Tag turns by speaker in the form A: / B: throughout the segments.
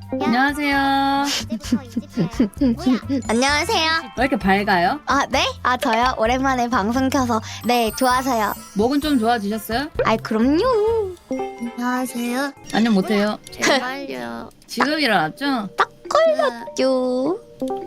A: 안녕하세요.
B: 안녕하세요.
A: 왜 이렇게 밝아요?
B: 아, 네? 아, 저요? 오랜만에 방송 켜서. 네, 좋아서요. 목은
A: 목은 좀 좋아지셨어요?
B: 아이, 그럼요. 안녕하세요.
A: 안녕 못해요.
B: 제발요.
A: 지금 일어났죠?
B: 요.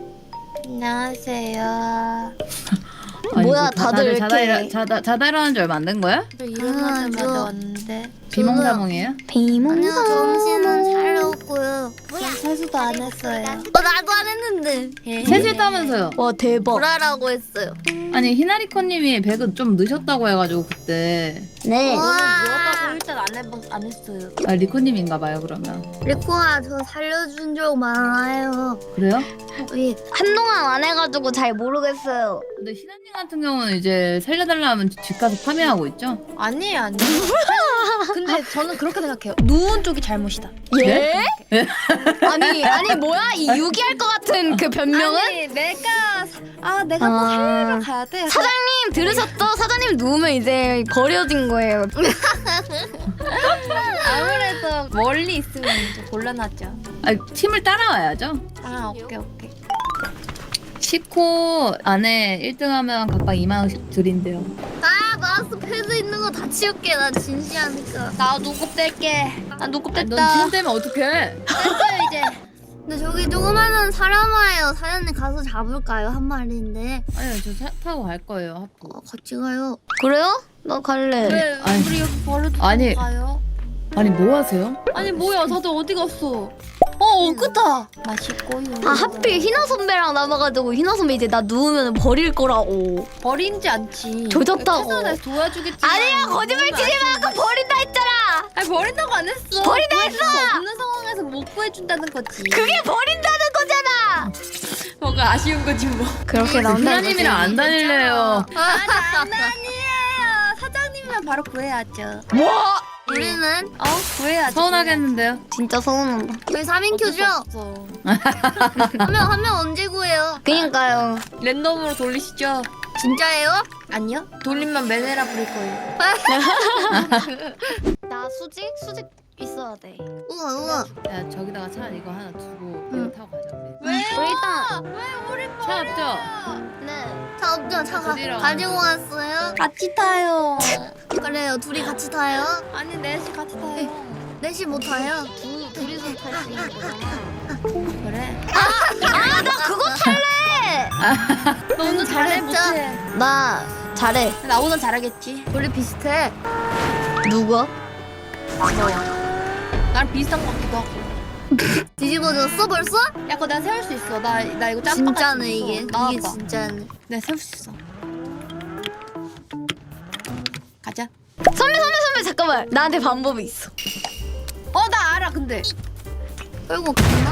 C: 안녕하세요.
A: 아니,
B: 뭐야,
A: 뭐
B: 다들 왜 이렇게.
A: 자다 일어난 지 얼마 안 된 거야?
C: 저 일어나자마자
B: 저-
C: 왔는데
A: 비몽사몽이에요?
B: 비몽사.
D: 점심은 차렸고요.
C: 전 세수도 안 했어요.
D: 나도 안 했는데
A: 세수했다면서요?
B: 와, 대박.
D: 보라라고 했어요.
A: 아니 히나리코님이 배그 좀 늦었다고 해가지고 그때
B: 네.
D: 와.
C: 누웠다고 일단 안 했어요.
A: 아 리코님인가봐요 그러면.
D: 리코아 저 살려준 적 많아요.
A: 그래요?
D: 예.
B: 한동안 안 해가지고 잘 모르겠어요.
A: 근데 희나님 같은 경우는 이제 살려달라 하면 집 가서 파밍하고 있죠?
C: 아니에요. 근데 저는 그렇게 생각해요. 누운 쪽이 잘못이다.
B: 예? 아니, 뭐야? 이 유기할 것 같은 그 변명은?
C: 아니 내가 뭐 살리러 가야 돼.
B: 사장님, 들으셨죠? 사장님 누우면 이제 버려진 거예요.
C: 아무래도 멀리 있으면 좀 곤란하죠.
A: 아 팀을 따라와야죠.
C: 아 오케이.
A: 10코 안에 1등하면 각각 2만 원씩 드린대요.
D: 아 마우스 패드 있는 거 다 치울게. 나 진지하니까.
C: 나 눈곱 뗄게. 나 눈곱
A: 넌
C: 뗐다.
A: 지금 되면 어떡해?
C: 뗐어요 이제.
D: 근데 저기 조그마한 사람 와요. 사장님 가서 잡을까요? 한 마리인데.
A: 아니요 저 차 타고 갈 거예요 하프.
D: 같이 가요.
B: 그래요? 나 갈래.
C: 왜
A: 아니.
C: 우리 여기 버려두고
A: 아니.
C: 가요?
A: 아니 뭐 하세요?
C: 아니 뭐야 다들 어디 갔어? 끄다. 맛있고요.
B: 아, 하필 희나 선배랑 남아가지고 희나 선배 이제 나 누우면 버릴 거라고.
C: 버린지 않지.
B: 조졌다고.
C: 최선을 도와주겠지.
B: 아니야, 거짓말 치지 말고 버린다 했잖아.
C: 아니 버린다고 안 했어.
B: 버린다
C: 구해줄 수 없는 상황에서 못 구해준다는 거지.
B: 그게 버린다는 거잖아.
C: 뭐가 아쉬운 거지 뭐.
B: 그렇게
A: 희나님이랑 안 다닐래요.
C: 아니에요. 사장님이면 바로 구해야죠.
B: 뭐?
D: 우리는
C: 구해야죠.
A: 서운하겠는데요?
B: 진짜 서운하다.
D: 저희 3인 큐죠?
C: 없어.
D: 한 명 언제 구해요?
B: 그니까요.
C: 랜덤으로 돌리시죠.
D: 진짜예요?
C: 아니요. 돌리면 메네라 부릴 거예요.
B: 나 수직 있어야 돼.
D: 우와.
A: 야 저기다가 차 이거 하나 두고 이거 타고 가자 우리.
C: 왜?
B: 일단
C: 왜 우리
A: 차 없죠?
B: 네.
D: 차 없죠? 차가
A: 어디로
D: 가지고 왔어요?
C: 같이 타요.
D: 그래요. 둘이 같이 타요?
C: 아니 넷이 같이 타요.
D: 넷이 못 타요?
B: 둘이서 탈 수 있는 거잖아.
C: 그래.
B: 아, 나 그거 탈래.
C: 너 오늘 잘해
D: 잘했죠?
C: 못해?
B: 나 잘해.
C: 나보다 잘하겠지.
D: 우리 비슷해.
B: 누가?
C: 나랑 비슷한 것 같기도 하고.
D: 뒤집어졌어 벌써?
C: 야, 그거 내가 세울 수 있어. 나 이거 짬바가
D: 진짜네 이게.
C: 나와봐.
D: 이게 진짜네.
C: 내가 세울 수 있어. 가자.
B: 선배 잠깐만. 나한테 방법이 있어.
C: 나 알아. 근데
D: 끌고 갔나?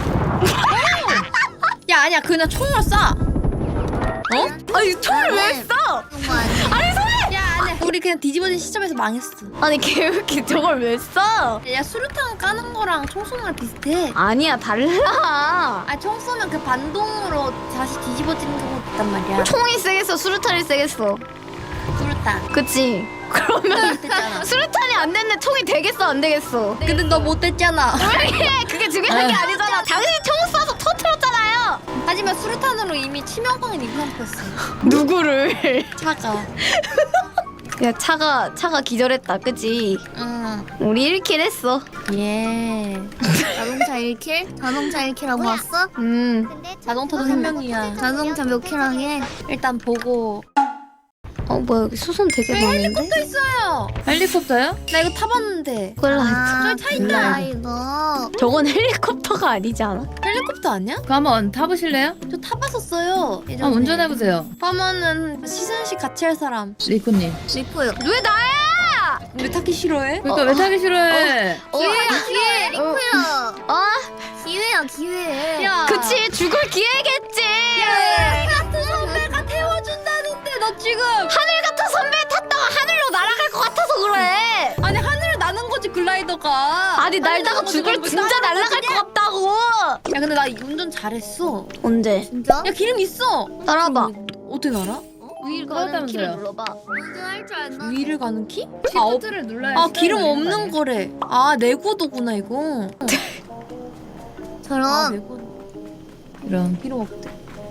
C: 야 아니야. 그냥 총으로 쏴.
B: 아니 총을 왜
D: 나는
B: 써?
D: 그런 거 아니야?
C: 야 아니야. 우리 그냥 뒤집어진 시점에서 망했어.
B: 아니 걔 왜 이렇게 저걸 왜 써?
C: 야 수류탄 까는 거랑 총 쏘는 거랑 비슷해.
B: 아니야 달라.
C: 총 쏘면 그 반동으로 다시 뒤집어지는 경우도 있단 말이야.
B: 총이 세겠어 수류탄이 세겠어.
C: 수류탄.
B: 그치? 그러면
C: 됐잖아.
B: 수류탄이 안 됐는데 총이 되겠어 안 되겠어?
C: 근데 너 못됐잖아.
B: 그게 중요한 게 아니잖아. 당신이 총 쏴서 터트렸잖아요.
C: 하지만 수류탄으로 이미 치명상인 입상했어.
B: 누구를?
C: 차가.
B: 야 차가 기절했다 그치?
C: 응.
B: 우리 1킬 했어.
C: 예.
D: 자동차 1킬? 자동차 1킬하고 왔어?
C: 자동차도 생명이야.
D: 자동차 몇 킬하게?
C: 일단 보고.
B: 뭐야 여기 수선 되게 많은데?
C: 헬리콥터 있어요.
A: 헬리콥터요?
C: 나 이거 타봤는데.
B: 꼴라.
C: 저기 차 있다.
D: 이거.
B: 저건 헬리콥터가 아니지 않아?
C: 헬리콥터 아니야?
A: 그거 한번 타보실래요?
C: 저 타봤었어요. 예전에.
A: 한번 운전해보세요.
C: 하면은 시승식 같이 할 사람.
A: 리코님.
D: 리코요.
B: 왜 나야?
C: 왜 타기 싫어해?
A: 그러니까 왜 타기 싫어해?
D: 기회 리코야.
B: 어?
D: 기회야 기회.
C: 야.
B: 그치 죽을 기회겠지.
C: 같은 선배가 태워준다는데 너 지금.
B: 하늘 같은 선배 탔다가 하늘로 날아갈 것 같아서 그래.
C: 아니 하늘을 나는 거지 글라이더가.
B: 아니 날다가
C: 하늘
B: 죽을
C: 나는 거지,
B: 진짜
C: 나는
B: 날아갈
C: 거지.
B: 것 같다고.
C: 야 근데 나 운전 잘했어.
B: 언제?
D: 진짜?
C: 야 기름 있어.
B: 따라봐.
C: 어떻게 알아?
B: 위를
A: 가는 키를
B: 눌러봐.
D: 운전할 줄 알나?
C: 위를 가는 키?
A: 시프트를 눌러야
C: 기름 없는 거래. 아 내구도구나 이거.
D: 저런.
A: 이런.
C: 기름 없대.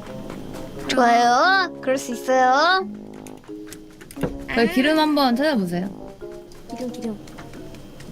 D: 좋아요. 그럴 수 있어요.
A: 그 기름 한번 찾아보세요.
C: 기름.